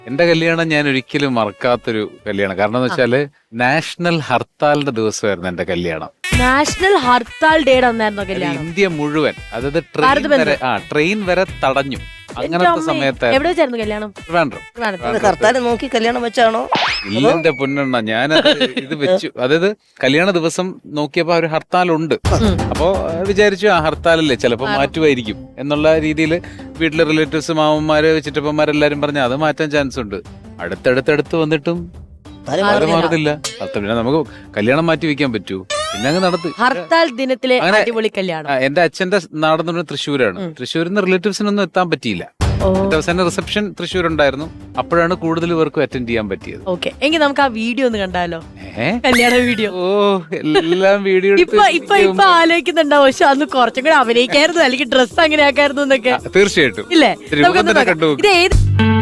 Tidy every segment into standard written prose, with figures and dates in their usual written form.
എന്റെ കല്യാണം ഞാൻ ഒരിക്കലും മറക്കാത്തൊരു കല്യാണം. കാരണം എന്ന് വെച്ചാല് നാഷണൽ ഹർത്താലിന്റെ ദിവസമായിരുന്നു എന്റെ കല്യാണം. നാഷണൽ ഹർത്താൽ ഡേയുടെ അന്നായിരുന്നോ അത് കല്യാണം? ഇന്ത്യ മുഴുവൻ, അതായത് ട്രെയിൻ വരെ തടഞ്ഞു. അങ്ങനത്തെ സമയത്തായിരുന്നു. എവിടെ വെച്ചായിരുന്നു കല്യാണം? ഹർത്താൽ നോക്കി കല്യാണം വെച്ചാണോ? ഇല്ല എന്റെ പൊന്നെണ്ണ, ഞാൻ ഇത് വെച്ചു. അതായത് കല്യാണ ദിവസം നോക്കിയപ്പോ ഒരു ഹർത്താലുണ്ട്. അപ്പോ വിചാരിച്ചു ആ ഹർത്താലല്ലേ ചിലപ്പോ മാറ്റുമായിരിക്കും എന്നുള്ള രീതിയിൽ വീട്ടിലെ റിലേറ്റീവ്സ്, മാമന്മാര്, ചിറ്റപ്പന്മാരെല്ലാരും പറഞ്ഞു അത് മാറ്റാൻ ചാൻസ് ഉണ്ട്. അടുത്തടുത്തടുത്ത് വന്നിട്ടും അത് മാറുന്നില്ല. പിന്നെ നമുക്ക് കല്യാണം മാറ്റി വെക്കാൻ പറ്റൂ? പിന്നെ അങ്ങ് നടത്തി. ഹർത്താൽ ദിനത്തിലെ അടിപൊളി കല്യാണം. എന്റെ അച്ഛന്റെ നാടെന്ന് പറഞ്ഞാൽ തൃശ്ശൂരാണ്. തൃശ്ശൂരിൽ നിന്ന് റിലേറ്റീവ്സിനൊന്നും എത്താൻ പറ്റിയില്ല. അവസാന റിസപ്ഷൻ തൃശ്ശൂർ ഉണ്ടായിരുന്നു. അപ്പോഴാണ് കൂടുതൽ പേർക്കും അറ്റൻഡ് ചെയ്യാൻ പറ്റിയത്. ഓക്കെ, എങ്കിൽ നമുക്ക് ആ വീഡിയോ ഒന്ന് കണ്ടാലോ? കല്യാണ വീഡിയോ. ഓ, എല്ലാം വീഡിയോ ഇപ്പൊ ആലോചിക്കുന്നുണ്ടാവും, പക്ഷെ അന്ന് കുറച്ചും കൂടെ അഭിനയിക്കായിരുന്നു, അല്ലെങ്കിൽ ഡ്രസ് അങ്ങനെ ആക്കായിരുന്നു എന്നൊക്കെ. തീർച്ചയായിട്ടും ഇല്ലേ? ഇത് ഏത്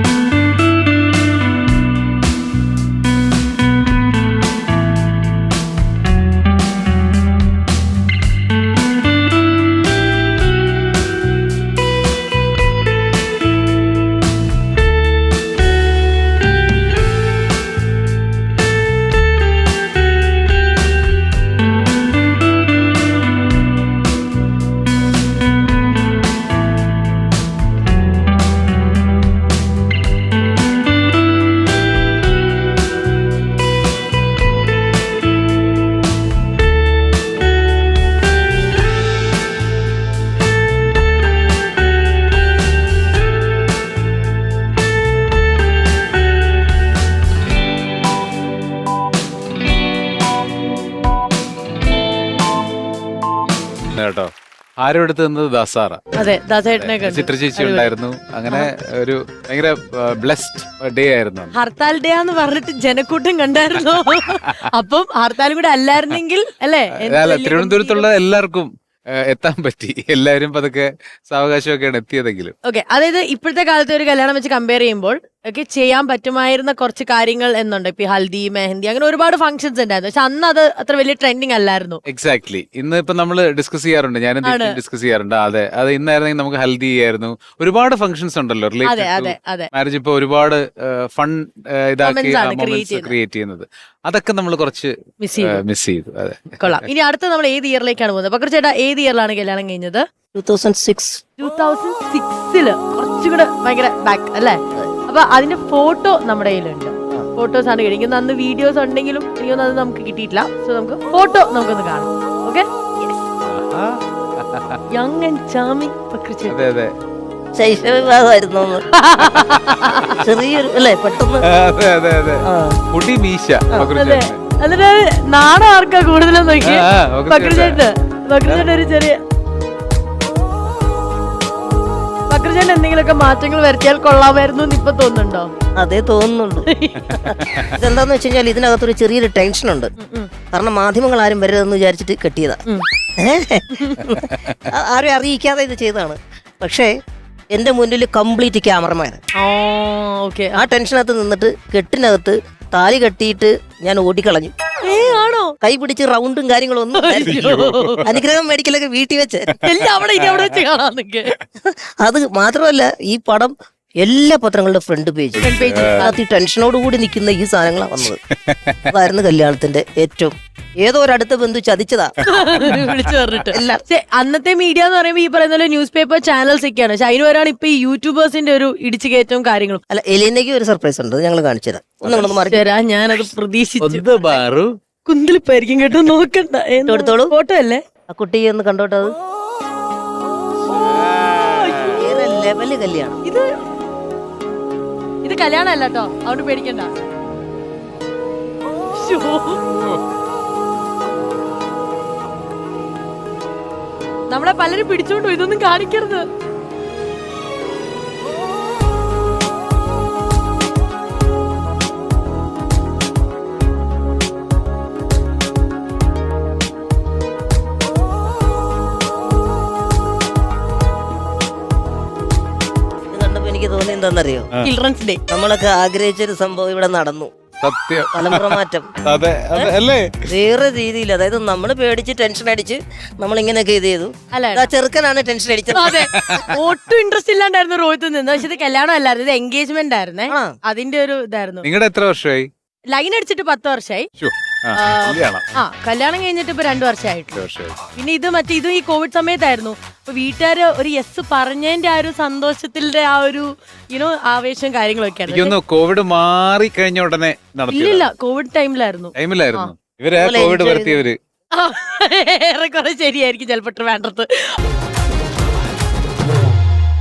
കേട്ടോ? ആരും എടുത്ത് നിന്നത് ദാസാറ. അതെ, ദാസേട്ടനെ ചിത്ര ചേച്ചി ഉണ്ടായിരുന്നു. അങ്ങനെ ഒരു ഭയങ്കര ബ്ലെസ്ഡ് ഡേ ആയിരുന്നു. ഹർത്താൽ ഡേ എന്ന് പറഞ്ഞിട്ട് ജനക്കൂട്ടം കണ്ടായിരുന്നു. അപ്പം ഹർത്താലും കൂടെ അല്ലായിരുന്നെങ്കിൽ അല്ലേ? തിരുവനന്തപുരത്തുള്ള എല്ലാവർക്കും എത്താൻ പറ്റി. എല്ലാവരും പതുക്കെ സാവകാശമൊക്കെയാണ് എത്തിയതെങ്കിലും. ഓക്കെ, അതായത് ഇപ്പോഴത്തെ കാലത്തെ ഒരു കല്യാണം വെച്ച് കമ്പയർ ചെയ്യുമ്പോൾ ഒക്കെ ചെയ്യാൻ പറ്റുമായിരുന്ന കുറച്ച് കാര്യങ്ങൾ എന്നുണ്ട്. ഇപ്പൊ ഹൽദി, മെഹന്തി, അങ്ങനെ ഒരുപാട് ഫംഗ്ഷൻസ് ഉണ്ടായിരുന്നു. പക്ഷെ അന്ന് അത് അത്ര വലിയ ട്രെൻഡിങ് അല്ലായിരുന്നു. എക്സാക്ട്ലി. ഇന്ന് ഇപ്പൊ നമ്മള് ഡിസ്കസ് ചെയ്യാറുണ്ട്, ഞാനും ഡിസ്കസ് ചെയ്യാറുണ്ട്. അതെ, അത് ഇന്നായിരുന്നെങ്കിൽ നമുക്ക് ഹൽദി ആയിരുന്നു. ഒരുപാട് ഫംഗ്ഷൻസ് ഉണ്ടല്ലോ മാരേജ്. ഇപ്പൊ ഒരുപാട് ഫൺ ഇതാക്കി ക്രിയേറ്റ് ചെയ്യുന്നത്, അതൊക്കെ നമ്മൾ കുറച്ച് മിസ് ചെയ്തു. അതെ, കൊള്ളാം. ഇനി അടുത്ത നമ്മൾ ഏത് ഇയറിലേക്കാണ് പോകുന്നത്? പക്രു ചേട്ടാ, ഏത് ഇയറിലാണ് കല്യാണം കഴിഞ്ഞത്? 2006. കുറച്ചുകൂടെ ഭയങ്കര ബാക്ക് അല്ലേ? അപ്പൊ അതിന്റെ ഫോട്ടോ നമ്മുടെ കയ്യിലുണ്ട്. ഫോട്ടോസ് ആണ് കഴിക്കുന്നത്. അന്ന് വീഡിയോസ് ഉണ്ടെങ്കിലും എനിക്കൊന്നും അത് നമുക്ക് കിട്ടിയിട്ടില്ല. സോ നമുക്ക് ഫോട്ടോ നമുക്കൊന്ന് കാണാം. Okay, young and charming Pakru ചേട്ടാ. ശൈശവവിവാഹമായിരുന്നു ചെറിയൊരു അല്ലേ, പെട്ടെന്ന്. മുടി മീശ. എന്നിട്ട് നാണം ആർക്കാ കൂടുതലെന്ന് നോക്കി? പക്രു ചേട്ടൻ ഒരു ചെറിയ പക്രുചേട്ടൻ എന്തെങ്കിലുമൊക്കെ മാറ്റങ്ങൾ വരുത്തിയാൽ കൊള്ളാമായിരുന്നു എന്ന് ഇപ്പൊ തോന്നുന്നുണ്ടോ? അതേ തോന്നുന്നുള്ളൂ. ഇതെന്താന്ന് വെച്ച് കഴിഞ്ഞാൽ ഇതിനകത്തൊരു ചെറിയൊരു ടെൻഷൻ ഉണ്ട്. കാരണം മാധ്യമങ്ങൾ ആരും വരരുതെന്ന് വിചാരിച്ചിട്ട് കെട്ടിയതാ. ആരും അറിയിക്കാതെ ഇത് ചെയ്തതാണ്. പക്ഷേ എന്റെ മുന്നിൽ കംപ്ലീറ്റ് ക്യാമറമാൻ. ആ ടെൻഷനകത്ത് നിന്നിട്ട് കെട്ടിനകത്ത് താലി കെട്ടിയിട്ട് ഞാൻ ഓടിക്കളഞ്ഞു. ആണോ? കൈ പിടിച്ച് റൗണ്ടും കാര്യങ്ങളും ഒന്നും അനുഗ്രഹം മേടിക്കലൊക്കെ വീട്ടിൽ വെച്ച് അത് മാത്രമല്ല, ഈ പടം എല്ലാ പത്രങ്ങളുടെ ഫ്രണ്ട് പേജ് അത് ടെൻഷനോട് കൂടി നിൽക്കുന്ന ഈ സാധനങ്ങളാണ് വന്നത്. അതായിരുന്നു കല്യാണത്തിന്റെ ഏറ്റവും. ഏതോ ഒരടുത്ത ബന്ധു ചതിച്ചതാ വിളിച്ചു പറഞ്ഞിട്ട്. അന്നത്തെ മീഡിയ എന്ന് പറയുമ്പോൾ ഈ പറയുന്ന ന്യൂസ് പേപ്പർ ചാനൽസ് ഒക്കെയാണ്. പക്ഷെ അതിന് വരാണ് ഇപ്പൊ ഈ യൂട്യൂബേഴ്സിന്റെ ഒരു ഇടിച്ചു കയറ്റവും കാര്യങ്ങളും. അല്ല, എലീനയ്ക്ക് ഒരു സർപ്രൈസ് ഉണ്ട്, ഞങ്ങൾ കാണിച്ചു തരാം. ഞാനത് പ്രതീക്ഷിച്ചു. കുന്തളിപ്പായിരിക്കും കേട്ടോ, നോക്കണ്ട. എടുത്തോളൂ, ഫോട്ടോ അല്ലേ? ആ കുട്ടി ഒന്ന് കണ്ടോട്ടത്. ലെവല് കല്യാണം. ഇത് കല്യാണം അല്ല കേട്ടോ, അതുകൊണ്ട് പേടിക്കണ്ട. നമ്മളെ പലരും പിടിച്ചോണ്ടു, ഇതൊന്നും കാണിക്കരുത്. എനിക്ക് തോന്നി എന്താണെന്നറിയോ? ചിൽഡ്രൻസ് ഡേ നമ്മളൊക്കെ ആഗ്രഹിച്ചൊരു സംഭവം ഇവിടെ നടന്നു. സത്യം. തലമുറ മാറ്റം അതെ അല്ലേ? വേറെ രീതിയിൽ, അതായത് നമ്മൾ പേടിച്ച് ടെൻഷൻ അടിച്ച് നമ്മൾ ഇങ്ങനെയൊക്കെ ഇത് ചെയ്തു. അല്ല ആ ചെറുക്കനാണ് ടെൻഷൻ അടിച്ചത്. അതെ, ഒട്ടും ഇൻട്രസ്റ്റ് ഇല്ലാണ്ടായിരുന്നു റോഹിത് നിന്ന്. പക്ഷെ ഇത് കല്യാണം അല്ലായിരുന്നു, ഇത് എൻഗേജ്മെന്റ് ആയിരുന്നേ. ആ. അതിന്റെ ഒരു ഇതായിരുന്നു. നിങ്ങളുടെ എത്ര വർഷമായി? ലൈൻ അടിച്ചിട്ട് 10 വർഷമായി. ശ്ശോ, ആ, കല്യാണം. കല്യാണം കഴിഞ്ഞിട്ട് ഇപ്പൊ 2 വർഷമായിട്ടു. 2 വർഷമായി. പിന്നെ ഇതും ഈ കോവിഡ് സമയത്തായിരുന്നു. അപ്പൊ വീട്ടുകാര് ഒരു യെസ് പറഞ്ഞതിന്റെ ആ ഒരു സന്തോഷത്തിന്റെ ആ ഒരു ആവേശം കാര്യങ്ങളൊക്കെ ആയിരുന്നു. എനിക്കൊന്ന് കോവിഡ് മാറി കഴിഞ്ഞ ഉടനെ നടത്തി ഇല്ലില്ല, കോവിഡ് ടൈമിലായിരുന്നു. ടൈമിലായിരുന്നു ഇവരെ കോവിഡ് വരുത്തിയവര്. ഏറെക്കുറെ ശരിയായിരിക്കും ചിലപ്പോ ട്രിവാൻഡ്രത്ത്.